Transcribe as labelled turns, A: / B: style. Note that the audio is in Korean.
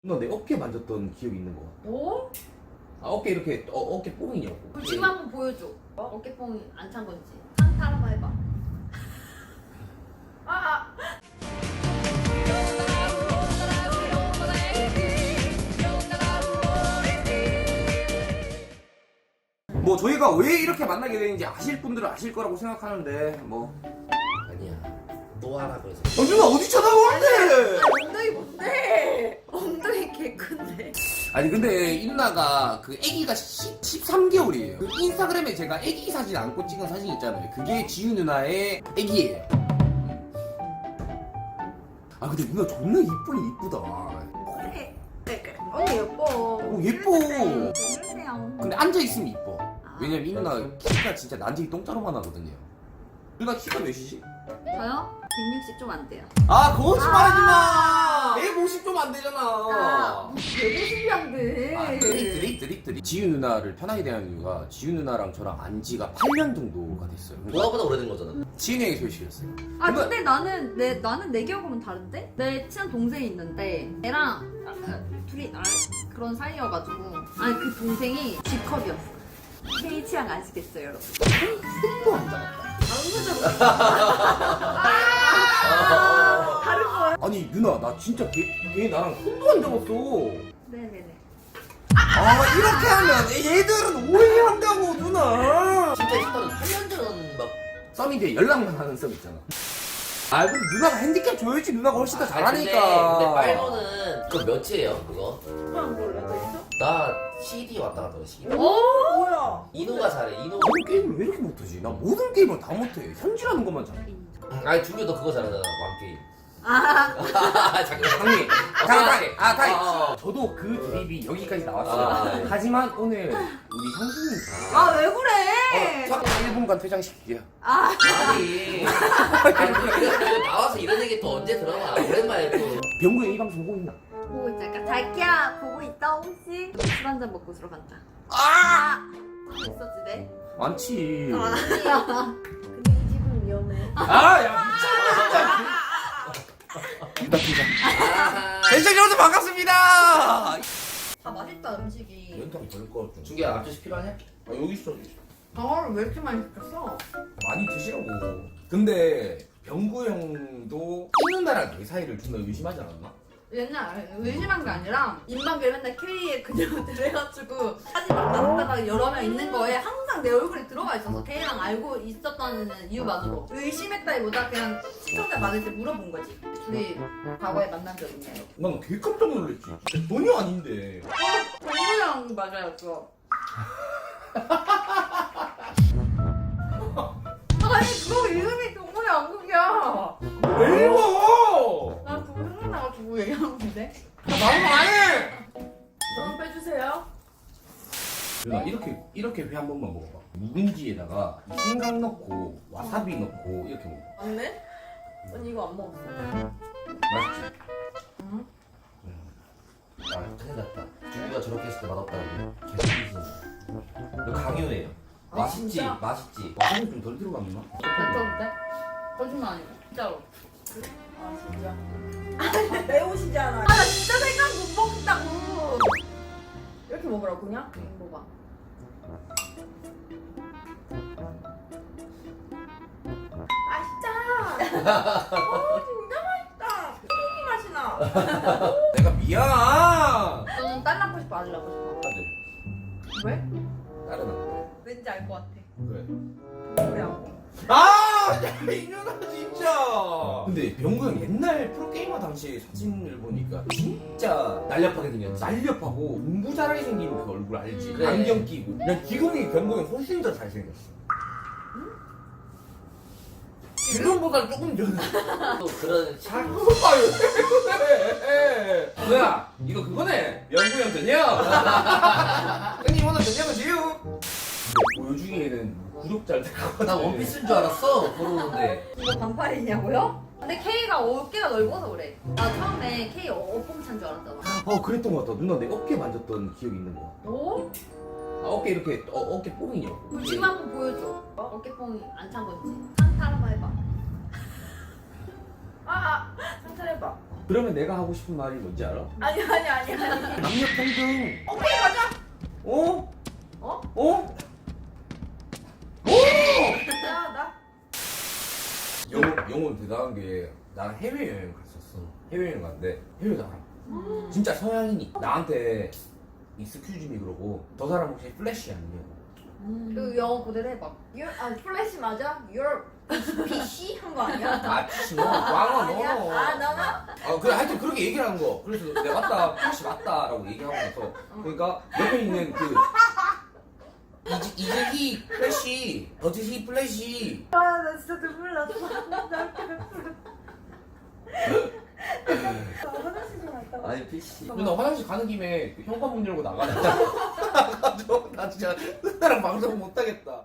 A: 너 내 어깨 만졌던 기억이 있는 거 같아.
B: 오?
A: 아, 어깨 이렇게 어깨 뽕이냐고.
B: 그럼 지금 한번 보여줘. 어깨뽕이 안 찬 건지. 상타 한번 해봐. 아!
A: 뭐 저희가 왜 이렇게 만나게 되는지 아실 분들은 아실 거라고 생각하는데 뭐.
C: 아니야 또 하라 그래서
A: 누나 어디 쳐다보는데?
B: 엉덩이 뭔데? 엉덩이 개 큰데.
A: 아니 근데 이 누나가 그 아기가 13개월이에요. 그 인스타그램에 제가 아기 사진 안고 찍은 사진 있잖아요. 그게 지유 누나의 아기예요. 아 근데 누나 존나 이쁘니 이쁘다.
B: 그래. 그래. 언니 예뻐.
A: 예뻐.
B: 그러세요.
A: 근데 앉아있으면 이뻐. 왜냐면 이 누나 키가 진짜 난쟁이 똥자루만 하거든요. 누나 키가 몇이지?
B: 저요? 160 좀 안 돼요.
A: 아 거짓말하지 마! 150 좀 안 되잖아.
B: 150이 안 돼.
A: 아, 드릭. 지유 누나를 편하게 대하는 이유가 지유 누나랑 저랑 안 지가 8년 정도가 됐어요.
C: 너보다 오래된 거잖아.
A: 지은이 소식이었어요.
B: 아 근데 나는 내 기억으로는 다른데? 내 친한 동생이 있는데 걔랑 둘이 그런 사이여가지고 아니 그 동생이 G컵이었어. K 취향 아시겠어요 여러분?
A: 또 안 잡았다.
B: 다른 거야?
A: 아니 누나 나 진짜 걔 나랑 손도 안 잡았어.
B: 네네네.
A: 아 이렇게 하면 얘들은 오해한다고 누나.
C: 진짜 일단은 8년 전막
A: 썸인데 연락만 하는 썸 있잖아. 아 근데 누나가 핸디캡 줘야지. 누나가 훨씬 더 잘하니까.
C: 근데 빨모는 그거 몇이에요 그거?
B: 그냥 몰라도 있어?
C: 나 CD 왔다 갔다 해 CD.
B: 뭐야?
C: 이노가 잘해 이노.
A: 모든 게임을 왜 이렇게 못하지? 나 모든 게임을 다 못해. 현질하는 것만 잘해.
C: 아니 준규도 그거 잘하잖아 왕게임.
B: 아
C: 잠깐
A: 형님,
C: 타이.
A: 저도 그 드립이 여기까지 나왔어요.
C: 아, 네.
A: 하지만 오늘 우리 형수님
B: 아 왜 그래?
A: 1분간 퇴장시킬게요.
B: 아
C: 아니 이거 나와서 이런 얘기 또 언제 들어봐. 오랜만에 또.
A: 병구에 이 방송 보고 있나?
B: 보고 있자. 자기야 보고 있다 혹시? 술 한잔 먹고 들어간다.
A: 아!
B: 있었지 네?
A: 많지.
B: 근데 이 집은 위험해.
A: 아, 야, 미쳤다, 진짜. 나 퇴장. 대장 여러분 반갑습니다.
B: 아 맛있다 음식이.
A: 연탕 벌거 좀.
C: 준규야 앞주시 필요하냐?
A: 아, 여기 있어.
B: 방어를 왜 이렇게 많이 시켰어?
A: 많이 드시라고. 근데 병구 형도 이 누나랑 내 사이를 존나 의심하지 않았나?
B: 옛날 의심한 게 아니라 인방길 맨날 K에 그녀들 해가지고 사진 막 나왔다가 여러 명 있는 거에 항상 내 얼굴이 들어가 있어서 K랑 알고 있었다는 이유만으로 의심했다기보다 그냥 시청자 많을 때 물어본 거지. 둘이 과거에 만난 적 있나요?
A: 난 되게 깜짝 놀랐지. 전혀 아닌데.
B: 동구랑 맞아요 그거. 아니 그거 이름이 동구의 왕국이야.
A: 왜 읽어?
B: 난 그거 생각나가지고 얘기한 건데.
A: 나도 안 해.
B: 저는 빼주세요.
A: 누나 이렇게 회 한 번만 먹어봐. 묵은지에다가 생강 넣고 와사비 넣고 이렇게 먹어.
B: 맞네? 언니 이거 안 먹었어.
A: 맛있지?
B: 응?
C: 아 큰일 났다. 준규가 저렇게 했을 때 맛없다고 계속 삐지네. 너 강요해요.
B: 아,
C: 맛있지
B: 진짜?
C: 맛있지.
A: 와사비 좀 덜 들어갔나?
B: 괜찮은데? 거짓말 아니고 진짜로. 아 진짜.
D: 매우시잖아.
B: 아 나 진짜 생각 못 먹는다고. 이렇게 먹으라고 그냥?
C: 응.
B: 먹어봐.
D: 맛있다. 진짜 맛있다. 튀김 맛이 나.
A: 내가 미안.
B: 너는 딸 낳고 싶어 아들 낳고 싶어? 왜?
A: 다른 안
B: 왠지 알 것 같아.
A: 그래.
B: 그래하고.
A: 아, 이 누나 진짜. 근데 병구 형 옛날 프로게이머 당시 사진을 보니까 진짜
C: 날렵하게 생겼지.
A: 날렵하고 공부 잘하게 생긴 그 얼굴 알지?
C: 그래.
A: 안경 끼고. 난 지금이 병구 형 훨씬 더 잘생겼어. 지금보다 조금 전에.
C: 또 그런 샥.
A: 아유, 뭐야? 이거 그거네. 병구 형 전혀. 형님 오늘 전혀가 지요. 보여주기에는 구독자를
C: 나 원피스인 줄 알았어 걸어오는데.
B: 이거 반팔이냐고요? 근데 K가 어깨가 넓어서 그래. 나 처음에 K 어pom 찬 줄 알았잖아.
A: 그랬던 것 같다. 누나 내 어깨 만졌던 기억이 있는 거.
B: 오?
A: 아, 어깨 이렇게 어깨 뽕이냐고.
B: 그럼 지금 한번 보여줘. 어깨뽕이 안 찬 건지. 상타 한번 해봐.
D: 아, 상탈 해봐.
A: 그러면 내가 하고 싶은 말이 뭔지 알아?
D: 아니.
A: 남녀 평등.
D: 오케이 가자.
A: 어?
B: 어?
A: 어?
D: 나.
A: 영혼 대단한 게 나는 해외여행 갔었어. 해외여행 갔는데 해외 나라 진짜 서양인이 나한테 익스큐즈미 그러고 저 사람 혹시 플래시 아니냐고.
B: 그 영어 그대로 해봐.
D: 플래시 맞아? Your PC 한 거 아니야?
A: 아 피시 너 왕아
D: 아니야?
A: 너.
D: 아 나나?
A: 그래 하여튼 그렇게 얘기를 하는 거. 그래서 내가 맞다 플래시 맞다라고 얘기하고 나서 그러니까 옆에 있는 그 이즈히 플래시 어즈히 플래시
D: 아나 진짜 눈물 났어. 나 화장실 좀 갔다 와.
C: 아니 PC.
A: 누나 화장실 가는 김에 그 현관문 열고 나가자. 나 진짜 누나랑 방송 못 하겠다.